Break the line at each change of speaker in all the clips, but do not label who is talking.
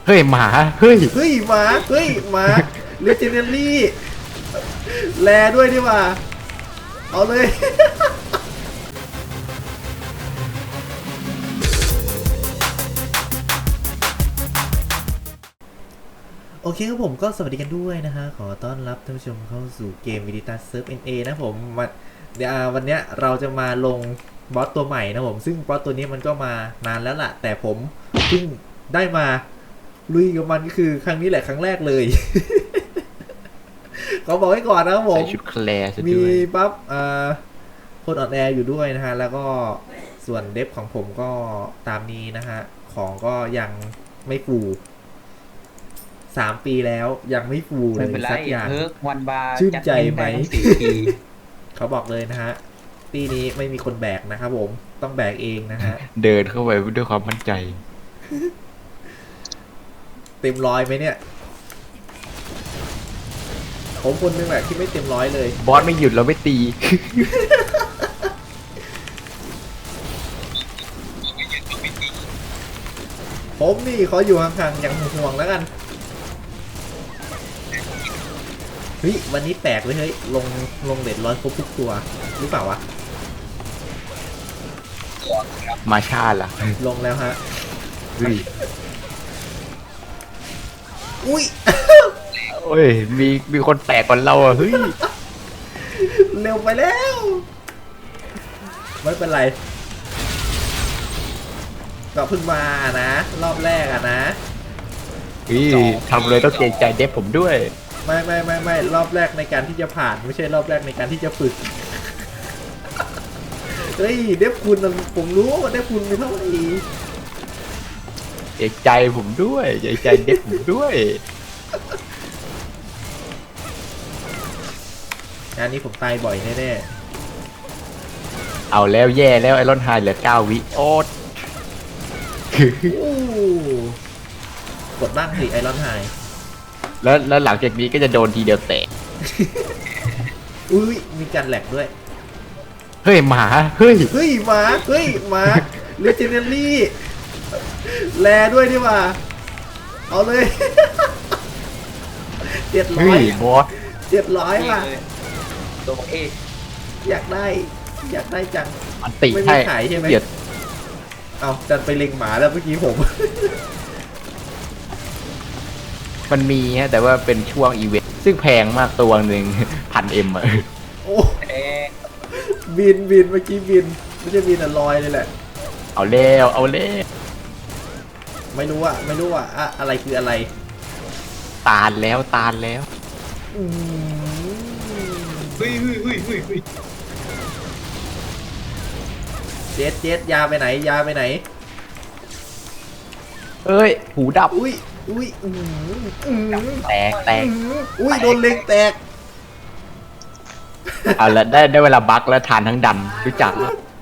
เฮ้ยหมาเฮ้ย
เฮ้ยหมาเฮ้ยหมาเลเจนเดอรี่แลด้วยดีกว่าเอาเลย โอเคครับผมก็สวัสดีกันด้วยนะฮะขอต้อนรับท่านผู้ชมเข้าสู่เกม Militas Surf NA นะผมวันเนี้ยเราจะมาลงบอสตัวใหม่นะผมซึ่งบอสตัวนี้มันก็มานานแล้วล่ะแต่ผมเพิ่งได้มาลุยกับมันก็คือครั้งนี้แหละครั้งแรกเลย ขอบอกไว้ก่อนนะครับผม
ใส่ชุดแคลร์
มีปั๊บคนออนแอร์อยู่ด้วยนะฮะแล้วก็ส่วนเดฟของผมก็ตามนี้นะฮะของก็ยังไม่ฟู3 ปีแล้วยังไม่ฟูเลยสักอย่าง
วันบาร์
ชื่นใจไหม เขาบอกเลยนะฮะปีนี้ไม่มีคนแบกนะครับผมต้องแบกเองนะฮะ
เดินเข้าไปด้วยความมั่นใจ
เต็มร้อยไหมเนี่ยผมคนนึงแหละที่ไม่เต็มร้อยเลย
บอสไม่หยุดเราไม่ตี
ผมนี่ขออยู่ห่างๆอย่างห่วงๆแล้วกันเฮ้ยวันนี้แปลกเลยเฮ้ยลงเด็ดร้อยครบทุกตัวหรือเปล่าวะ
มาชาล่ะ
ลงแล้วฮะ
เฮ้ย
อุ้ย
โอ้ยมีคนแตกก่อนเราอ่ะเฮ้ย
เร็วไปแล้วไม่เป็นไรก็เพิ่งมานะรอบแรกอะนะ
ทำเลยต้องเกรงใจเดฟผมด้วย
ไม่รอบแรกในการที่จะผ่านไม่ใช่รอบแรกในการที่จะฝึก เฮ้ยเดฟคุณผมรู้ว่าเดฟคุณมีเท่าไหร่
เกรงใจผมด้วยเกรงใจเดฟผมด้วย
งานนี้ผมตายบ่อยแน่
ๆเอาแล้วแย่แล้วไอรอนไฮเหลือ9 วิโอ๊ต
กดบ้างสิไอรอนไฮ
แล้วหลังจากนี้ก็จะโดนทีเดียวแตก
อุ้ยมีการแหลกด้วย
เฮ้ยหมาเฮ้ย
หมาเฮ้ยหมาเลเจนเดอรี่แลด้วยดีกว่าเอาเลย700
บอส
700ว่ะ
ตัวเอ
อยากได้จัง
มันติ
ไม่มีขายใช่ไหมเอาจัดไปเล็งหมาแล้วเมื่อกี้ผม
มันมีฮะแต่ว่าเป็นช่วงอีเวนต์ซึ่งแพงมากตัวหนึ่ง1,000 M อ่ะ
โอ้บินเมื่อกี้บินไม่ใช่บินลอยเลยแหละ
เอาเล่
ไม่รู้ว่าอะไรคืออะไร
ตาลแล้ว
เฮ้ย
เจ็ดยาไปไหน
เอ้ยหูดับ
อุ้ย
แตก
อุ้ยโดนเล็งแตก
เอาละได้เวลาบักแล้วทานทั้งดันรู้จัก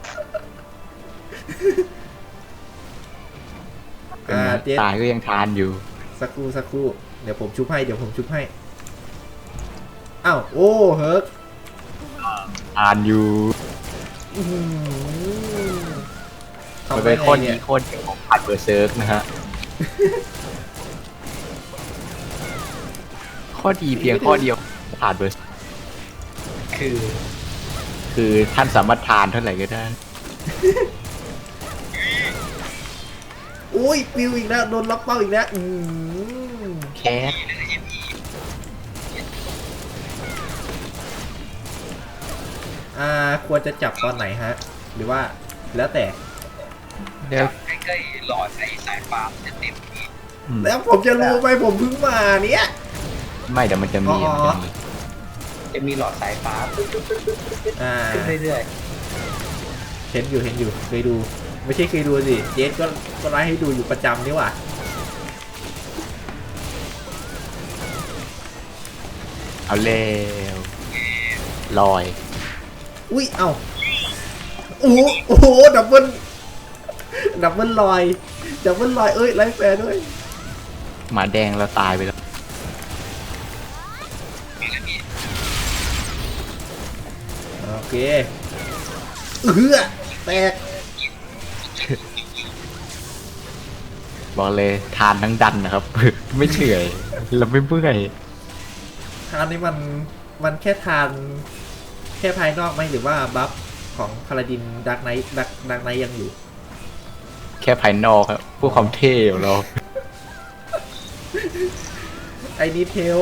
ตายก็ยังทานอยู่
สักครู่เดี๋ยวผมชุบให้อ้าวโอ้เฮิร์ก
ทานอยู่มันเป็นคนนี้คนของผ่านเบอร์เซิร์กนะฮะข้อดีเพียงข้อเดียวผ่านเบอร์คือท่านสามารถทานเท่าไหร่ก็ได้
อุ้ยปิวอีกแล้วโดนล็อกเป้าอีกแล้ว
แคส
ควรจะจับตอนไหนฮะหรือว่าแล้วแต่
ใกล้ๆหลอดไอ้สายฟ้าจะเต็มที่
แล้วผมจะรู้ไหมผมเพิ่งมาเนี่ย
ไม่เดี๋ยวมันจะมี
หลอดสายฟ้าขึ้นเรื่อย
ๆเห็นอยู่เคยดูไม่ใช่เคยดูสิเจสก็ไลฟ์ให้ดูอยู่ประจำนี่หว่า
เอาแล้วลอย
อุ้ยเอ้าโอ้โหดับเบิลลอยเอ้ยไลฟ์แฟร์ด้วย
หมาแดงเราตายไปแล้ว
โอเคแตก
บอกเลยทานทั้งดันนะครับ ไม่เหนื่อยแล้วไม่เมื่อย
ทานนี้มันแค่ทานแค่ภายนอกไหมหรือว่าบัฟของพาราดินดักไนท์ดักไนท์ยังอยู่
แค่ภายนอกครับพวกความเท่ของเรา
ไอ้นี่เทล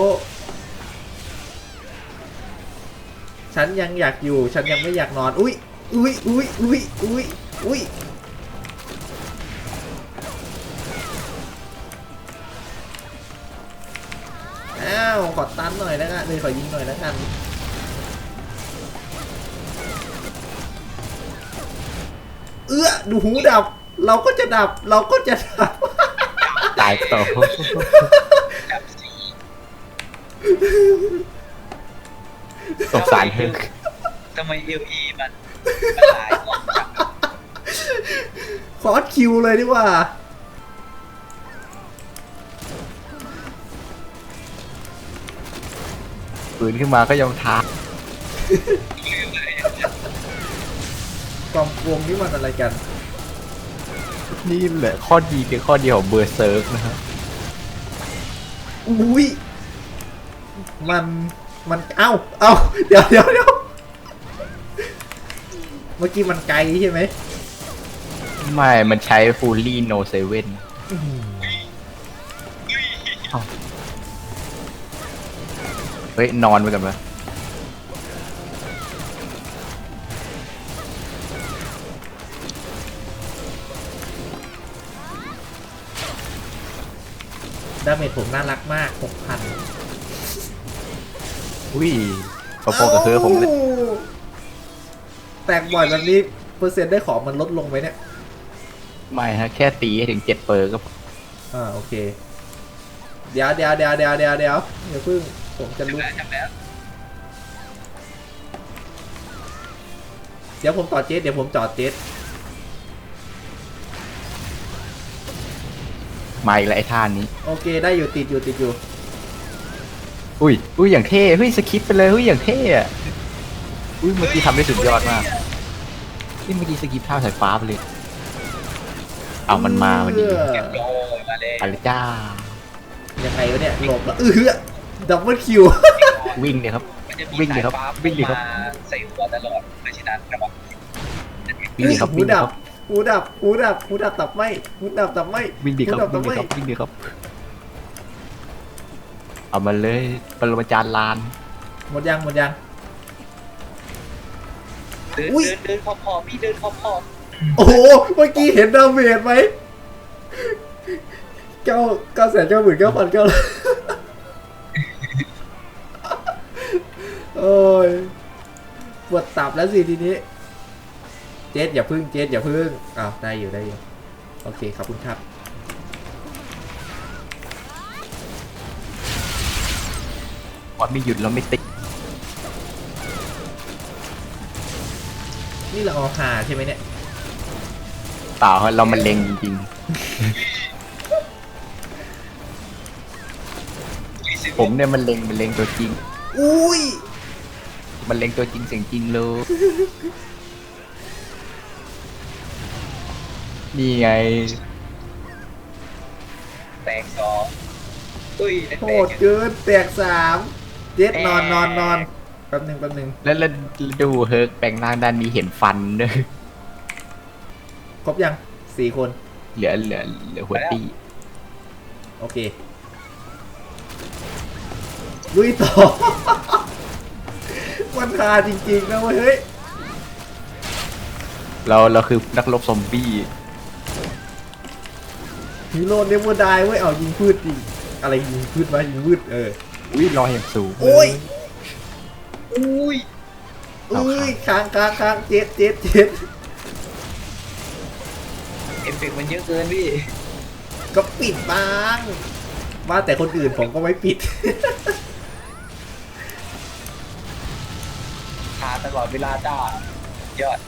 ฉันยังอยากอยู่ฉันยังไม่อยากนอนอุ้ยอุ้ยอุ้ยอุ้ยอุ้ยอุ้ยอ้าวขอตันหน่อยแล้วกันเลยขอยิงหน่อยแล้วกันดูหูดับเราก็จะดับเราก็จะดับ
ตายต่อ
จับสี
สงสารเธอ
ทำไมเอลีมันหายออกจาก
คอร์สคิวเลยดีกว่า
ปืนขึ้นมาก็ยังท้า
กองวงนี่มันอะไรกัน
นี่แหละข้อดีคือข้อเดียวของเบอร์เซิร์กนะครับ
อุ้ยมันเอ้าเดี๋ยวเมื่อกี้มันไกลใช่ไหม
ไม่ มันใช้ฟูลี่โนเซเว่นเฮ้ย นอนไปกันปะ
ดาเมจผมน่ารักมาก 6,000
อุ้ยพอๆกับเธอผมเลย
แตกบ่อยแบบนี้เปอร์เซ็นต์ได้ของมันลดลงไหมเนี่ย
ไม่ฮะ แค่ตีให้ถึง7 เปอร์ก็พอ
โอเค เดี๋ยวอย่าเพิ่งผมจะรู้
จับแล้ว
เดี๋ยวผมต่อเจ็ตเดี๋ยวผมจอดเจ็ต
มาอีกแล้วไอ้ท่านี้
โอเคได้อยู่ติดอยู่
อุ้ยอย่างเท่เฮ้ยสคิปไปเลยเฮ้ยอย่างเท่อะอุ้ยเมื่อกี้ทำได้สุดยอดมากนี่เมื่อกี้สกิปท่าสายฟ้าไปเลยเอามันมาวันนี้
โอ้ยมาเลย
ไปเลยจ้า
ยังไงวะเนี่ยหลบแล้วดับเบิลคิว
วิ่งเนี่ยครับ
มันจะมี
วิ่งดิ
สาย
ครับ
ฟ้า
วิ่งดิครับ
มาใส่หัวตลอดเพราะฉะนั้นระวัง
วิ่งดิครับ
หู
วิ่งดิ
ดั
ค
บ
รับ
หูดับตับไหมหูดับตับไหม
วิ่งดิครับ
หูดั
วิ่งดิครับ
ตัไหม
วิ่งดิครับเอามาเลยปรมาจารย์ลาน
หมดยัง
เดิน
อุ๊ย
เดินพอพี่เดินพอ
โอ้โหเมื่อกี้เห็นดาเมจไหม9,999,900โอ้ยปวดตับแล้วสิทีนี้เจ๊อย่าพึ่งอ้าวได้อยู่โอเคขอบคุณครับ
ว่าไม่หยุดแล้วไม่ติด
นี่เราเอาหาใช่ไหมเนี่ย
เปล่าครับเรามันเล็งจริงๆผมเนี่ยมันเล็งตัวจริง
อุ้ย
มันเล็งตัวจริงเสียงจริงเลยนี่ไง
แตกสองอุ้ย
โหดเกินแตก3เจ๊นอนแป๊บหนึ่ง
แล้วดูเฮิร์กแปลงร่างด้านนี้เห็นฟันด้วย
ครบยัง4 คน
เหลือหัวตี
โอเคลุยต่อ มันคาจริงๆนะเว้ยเฮ้ย
เราคือนักรบซอมบี้
ฮีโร่เนเวอร์ไดเว้ยเอายิงพืชดิอะไรยิงพืชวะยิงพืช
อุ้ยลอยอย่างสูง
โอ้ย
อุ้ย
ค้างเจ็ด
เอฟเฟกต์มันเยอะเกินพี่
ก็ปิดบ้างว่าแต่คนอื่นผมก็ไม่ปิด
ทาตลอดเวลาจ้ายอด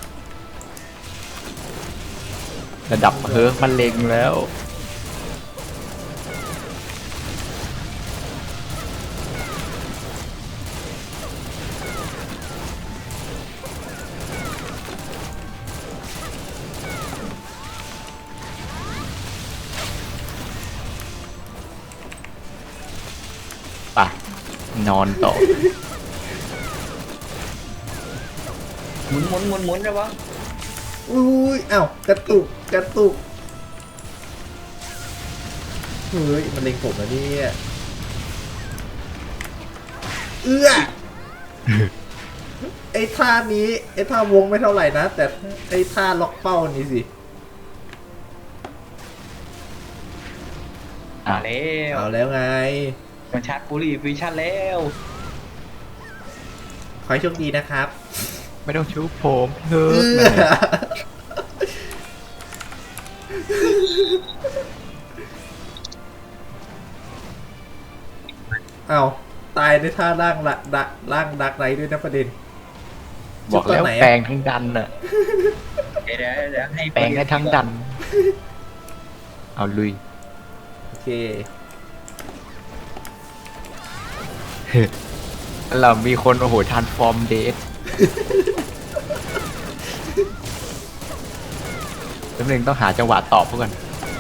ระดับเฮิร์กมันเล็งแล้วไปนอนต่อ
หมุนได้ปะ
อุ้ยอ้าวกระตุกกระตุกเฮ้ยมันเล็งผมแล้วเนี่ยไอ้ท่านี้ไอ้ท่าวงไม่เท่าไหร่นะแต่ไอ้ท่าล็อกเป้านี่สิ
มาแล้ว
เอาแล้วไง
มันชาร์จปุรีฟิวชั่นแล้ว
ขอให้โชคดีนะครับ
ไม่ต้องชุบผมเฮ้ย
เอาตายในท่าร่างละร่างดักไรด้วยนะประเด็น
บอกแล้ว
จุดตอนไหนอะ
แปลงทั้งดันน่ะ
เดี๋ยวให้
แปลงได้ทั้งดัน เอาลุย
โอเค
เรามีคนโอ้โหทานฟอร์มเดทแป๊บนึงต้องหาจังหวะตอบเพื่อน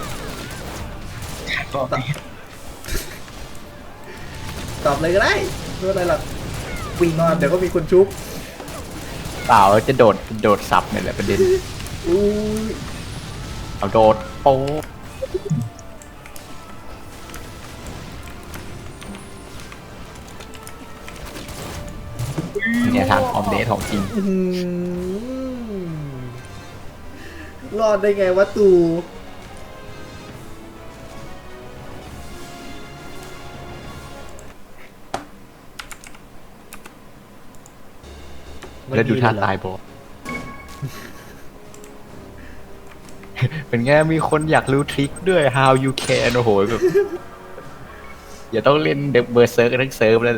ตอบเลยก็ได้ไม่เป็นไรหรอกวิ่งนอนเดี๋ยวก็มีคนชุบ
เปล่าจะโดดสับเนี่ยแหละประเด็น
อุ้ย
เอาโดดโป๊ะเนี่ยทางฟอร์มเดทของจริง
อื้อหือรอดได้ไงวะตู
แล้วดูท่าตายโบะ เป็นไงมีคนอยากรู้ทริคด้วย how you can โอ้โหแบบอย่าต้องเล่นเดบเบอร์เซิร์กทั้งเซิร์ฟแล้ว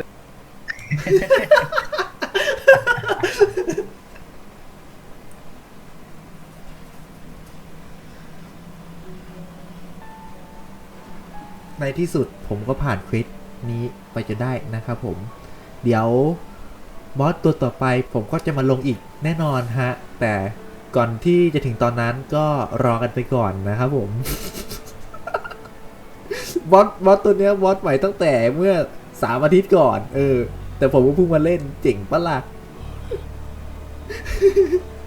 ในที่สุดผมก็ผ่านเควสนี้ไปจะได้นะครับผม เดี๋ยวบอสตัวต่อไปผมก็จะมาลงอีกแน่นอนฮะ แต่ก่อนที่จะถึงตอนนั้นก็รอกันไปก่อนนะครับผม บอสตัวเนี้ยบอสใหม่ตั้งแต่เมื่อ3 อาทิตย์ก่อน แต่ผมก็เพิ่งมาเล่นเจ๋งปะล่ะ